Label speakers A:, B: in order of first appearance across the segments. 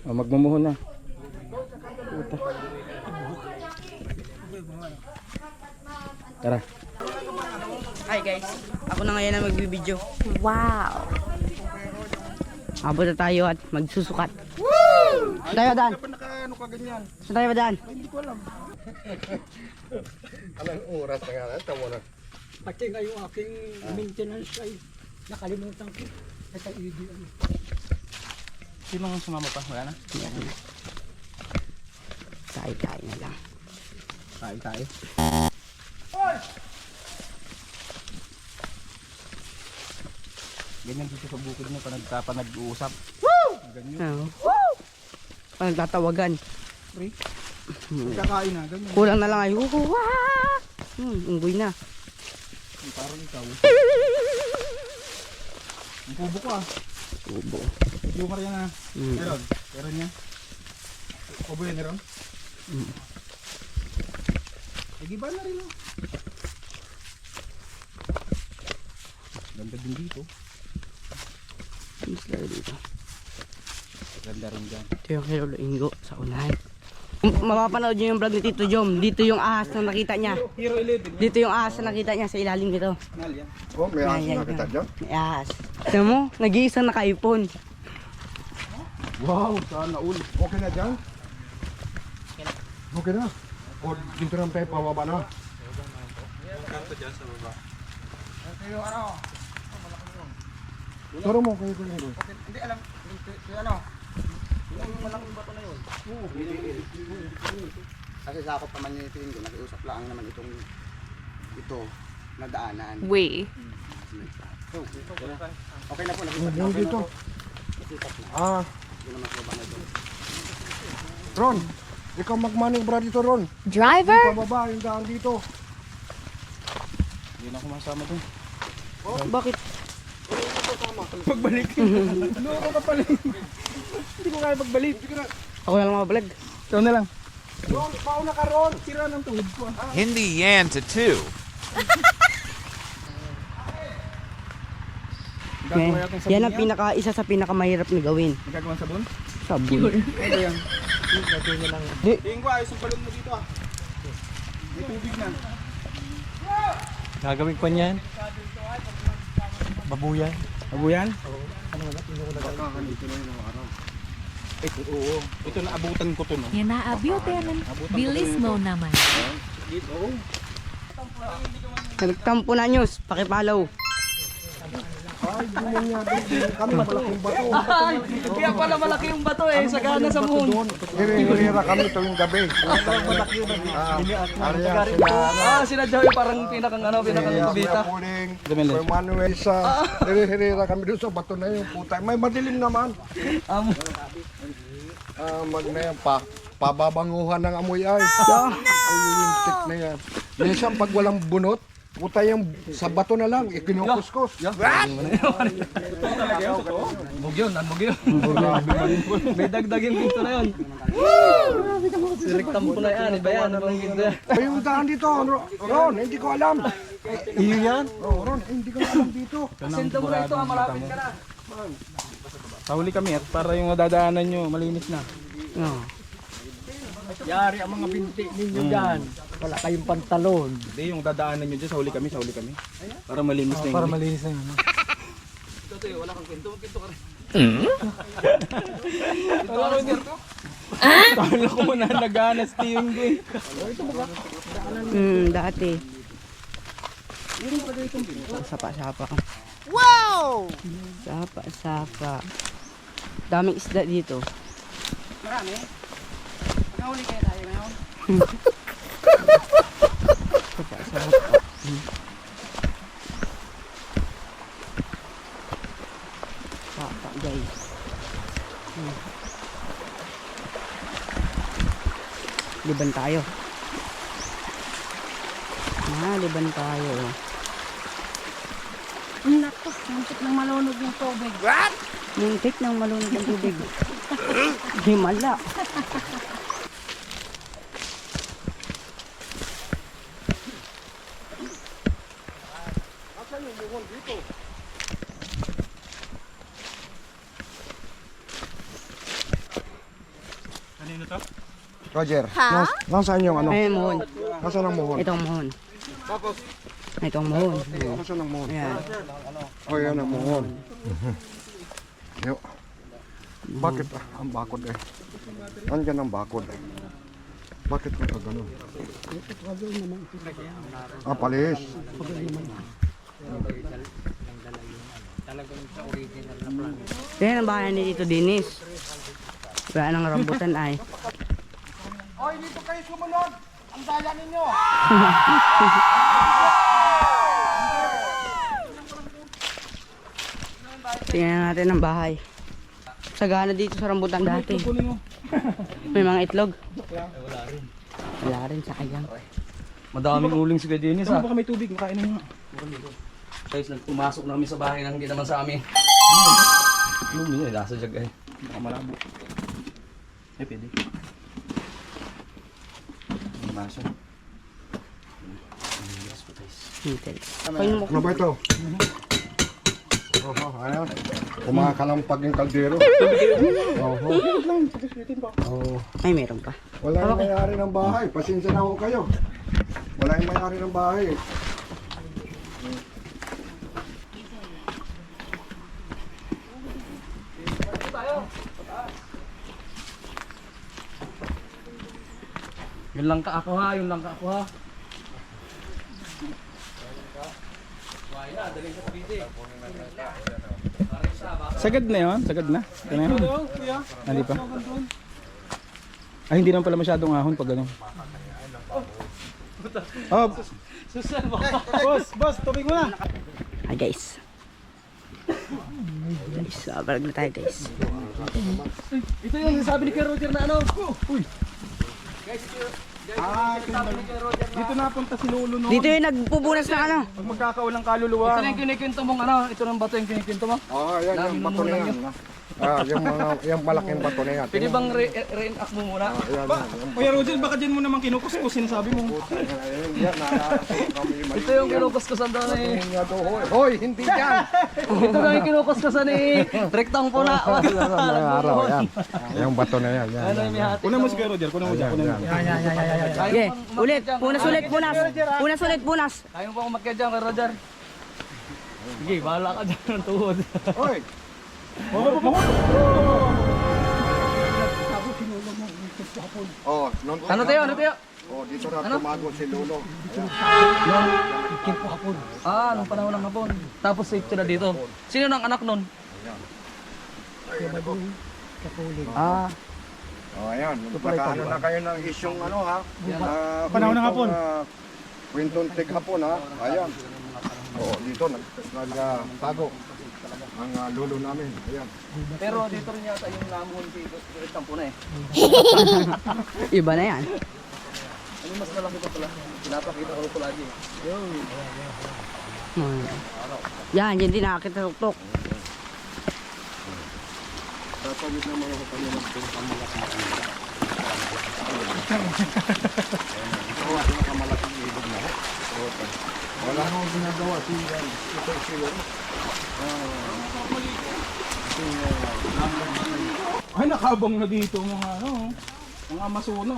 A: Oh, magmumuhon na. Puta. Tara.
B: Hi guys, ako na ngayon na magbibideo. Wow! Abot na tayo at magsusukat. Woo! Saan tayo, Dan?
A: Ano ka ganyan?
B: Saan tayo ba, Dan?
A: Hindi ko alam. Anong oras na nga? Tama na.
C: Pati nga yung aking maintenance ay nakalimutan ko. Sa ED.
A: Sino ang sumama pa? Wala na?
B: Tayo na lang.
A: Tayo. Ganyan dito sa bukid mo pa nag-uusap. Woo! Ganyan.
B: Woo! Parang tatawagan.
A: Pre. Kakain na, ganyan.
B: Kulang na lang ay unggoy na.
A: Parang ikaw. Ang kubo ko ah.
B: Kubo.
A: Yung karya na. Meron niya. Kubo yan meron? Nagiba na rin oh. Ganda din dito.
B: Mas lalo dito.
A: Ganda rin dyan.
B: Ito yung kay Lolo Ingo sa unahan. Mapapanood nyo yung vlog ni Tito Jom. Dito yung ahas na nakita niya.
A: Hero 11.
B: Dito yung ahas na nakita niya sa ilalim nito.
A: Nal yan.
D: Oh, may aso
B: Ayan,
D: na kita dyan.
B: May ahas. Tignan mo, nag-iisang naka-iPhone.
D: Wow, sana all. Okay na dyan? Okay na. O, dito naman tayo pababa na. Turo mo kayo kung yun.
A: Hindi alam. Yung ano? Yung malaking bato na yun. Kasi sakop naman yung ito yun. Nakiusap lang naman ito na daanan.
E: Way.
A: Okay na po.
D: Yung dito. Ah. Ron, ikaw magmanibra dito, Ron.
E: Driver?
D: Pababa yung daan dito.
A: Hindi na ako masama dun.
B: Bakit?
A: Pagbalik. Loko ka pala. Hindi ko kaya pagbalik.
B: Ako na lang mabablog.
A: Ikaw na lang.
D: Ron, pauna ka, Ron.
A: Sira ng tuhod ko.
F: Hindi yan to two.
B: Yan ang isa sa pinakamahirap na gawin.
A: Magagawang sabon?
B: Sabon.
A: Ano yan? Tingin ko ayos yung balon mo dito ah. May tubig na.
C: Gagawin ko niyan. Babuyan.
A: Abuyan? Ito, oo. Ito naabutan ko to no.
E: Yan na abutin. Bilis mo naman.
A: Oo.
B: Nagtampo na news, pakipalaw.
D: Ay, ganyan niya. Kami malaking bato.
B: Kaya pala malaki yung bato eh, sagana sa muhon.
D: Hira kami tuwing gabi.
B: Sila Joey parang pinakang kubita.
D: May Manuel sa hira kami doon sa bato na yung puta. May madilim naman. Mag na yan pa. Pababanguhan ng amoy ay. Ay, yung tik na yan. Minsan pag walang bunot, puta yung sa bato na lang, ikinukuskus.
B: Bugyon. May dagdagin dito na yun. Siliktampo na yan, iba yan.
D: Ay, yung daan dito, Ron, hindi ko alam.
C: Iyo yan?
D: Oh, Ron, hindi ko alam dito.
B: Sinto mo na ito, malapit ka na.
A: Sahuli kami at para yung nadadaanan nyo malinis na.
C: Yari ang mga binti ninyo dyan. Wala kayong pantalon.
A: Hindi, yung dadaanan nyo dyan, sahuli kami. Para malinis na yun.
C: Para malinis na yun.
B: Wala kang kwento, ka rin.
A: Kala ko mo na nag-anas yung ko eh.
B: Dati. Sapa-sapa. Wow! Sapa-sapa. Daming isda dito. Marami? Nakahuli kaya tayo ngayon? Sapa-sapa. Sapa guys. Liban tayo. Liban tayo.
E: Naku, muntik ng malunod ng tubig.
B: Muntik ng malunod ng tubig. Himala.
D: Roger, nasaan yung ano?
B: Ayun, mohon.
D: Nasaan ang muhon?
B: Itong mohon. Itong mohon.
D: Nasaan ang muhon?
B: Ayan.
D: Oh, yan ang muhon. Yo. Bakit ang bakod eh? Andyan ang bakod eh. Bakit nakaganon? Ah, palis.
B: Yan ang bahay ni Tito Dennis. Wala nang rambutan ay.
D: Oy, dito kayo sumunod! Ang daya ninyo!
B: Tingnan natin ang bahay. Sagana dito sa rambutan dati. May mga itlog. Wala rin sa kayang.
G: Madaming uling si Dennis ha.
A: Baka may tubig, makain mo nga.
G: Guys, pumasok na kami sa bahay na hindi naman sa amin. Lumi na, nasa jag ay.
A: Baka malabo. Eh, pwede.
G: Ang baso.
D: Ano ba ito? Oh, ayan. Kumakalampag yung kaldero.
B: Ay, meron pa.
D: Wala yung may-ari ng bahay. Pasensya na ho kayo. Wala yung may-ari ng bahay.
G: Yun lang ka ako ha, yun lang ka ako ha.
A: Sagad na yun? Sagad na? Ito na yun? Hindi pa? Ay, hindi naman pala masyadong ahon pag gano'n. Oh, boss, tubig mo na.
B: Hi guys. Guys, balag na tayo guys.
G: Ito yung sabi ni Kuya Roger na ano. Uy.
A: Dito napunta si Lolo no.
B: Dito yung nagpupunas ng ano.
A: Pag magkakaulang kaluluwa.
G: Ito na yung kinikwento mong ano, ito ng bato yung kinikwento mo.
D: Oh, yan yung bato na yan. Ah, yung malaking bato na yan.
G: Pwede bang re-enact mo muna?
A: Kuya Roger, baka dyan mo naman kinukuskus sinasabi mo.
D: Yan, naalala kami.
G: Ito yung kinukuskusan daw ni...
D: Hoy, hindi yan!
G: Ito na yung kinukuskusan ni... Rektang po na.
D: Araw, yan. Yung bato na yan.
G: Ano yung may hati?
A: Kunan mo si Kuya Roger, kunan mo dyan.
B: Okay, ulit. Punas. Punas ulit.
G: Ayaw pa umakyat dyan Kuya Roger. Sige, bahala ka dyan ng tuhod.
D: Hoy! Oh,
G: Ano tayo?
D: Oh, dito na tumago si Lolo.
G: Ah, nung panahon ng hapon. Tapos safe na dito. Sino nang anak nun? Ah,
D: Oh, ayan. Nakaano na kayo ng isyong ano ha?
A: Panahon ng hapon.
D: Kwentong tig hapon ha? Ayan. Oh, dito nagtago ang lolo namin. Ayan.
G: pero dito rin yata yung namuhon dito. Rektang po na eh.
B: Iba na yan.
G: Ano mas malaki pa pala? Pinapakita ko ko lagi.
B: Yan, yan din nakakita tuktok.
D: Tatawid na mga kami magpapamalas na kanila. Malaking ibig na ho. Wala nang ginagawa
A: Ay, nakabang na dito mga ano. Mga Amazono.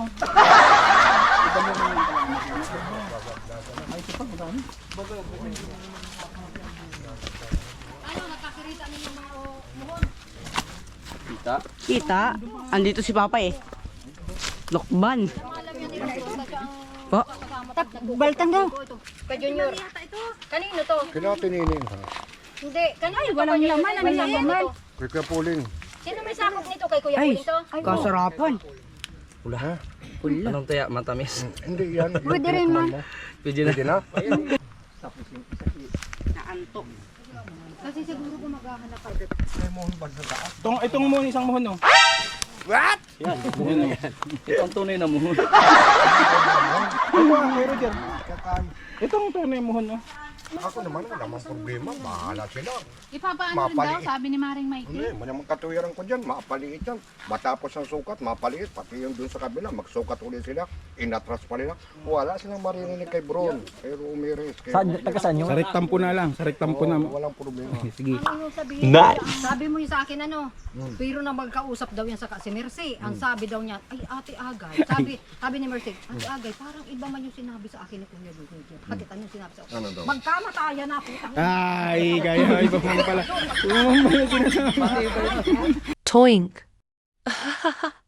B: Kita, andito si Papa eh. Lokban. Po.
E: Baltang daw.
H: Kay Junior. Kanino to?
D: Kinatinining ha.
H: Hindi, kanino
E: Ay,
H: to?
E: walang
H: Kanino
E: laman,
H: to?
E: ano yung laman?
D: Kay Kuya Puling.
H: Sino may sakop nito? Kay Kuya
B: Ay,
H: Puling to?
B: kasarapan.
D: Ha?
B: Pula.
G: Anong taya? Matamis.
D: Hindi yan.
E: Pwede rin man.
G: Pwede na.
D: Pwede na?
B: Naantok.
H: Kasi siguro kung maghahanap ka.
A: Itong mo, isang muhon no.
G: Ito ang tunay na muhon.
A: Ito Kuya Roger. Itong tunay muhon no.
D: Ako naman, wala namang problema. Bahala sila.
I: Ipapaano rin daw, sabi ni Maring Mikey.
D: Hindi, maramang katuwiran ko dyan. Mapaliit yan. Matapos ang sukat, mapaliit. Pati yung dun sa kabila, magsukat ulit sila. Inatras pa nila. Wala silang maririnig kay Bron. Kay Ramirez.
C: Taga saan yun?
A: Sa rektampo na lang, sa rektampo na.
D: Walang problema.
A: Sige.
H: Ano yung sabihin? Nice. Sabi mo yung sa akin ano, pero na magkausap daw yan sa si Mercy. Ang sabi daw niya, ay Ate Agay. Sabi ni Mercy, Ate Agay, parang iba man yung sinabi sa akin ni Kuya Dudut. Bakit ano yung sinabi sa akin?
D: Ano daw?
H: Magkamatayan na ako.
A: Ay, kaya iba pa pala.
I: Toink.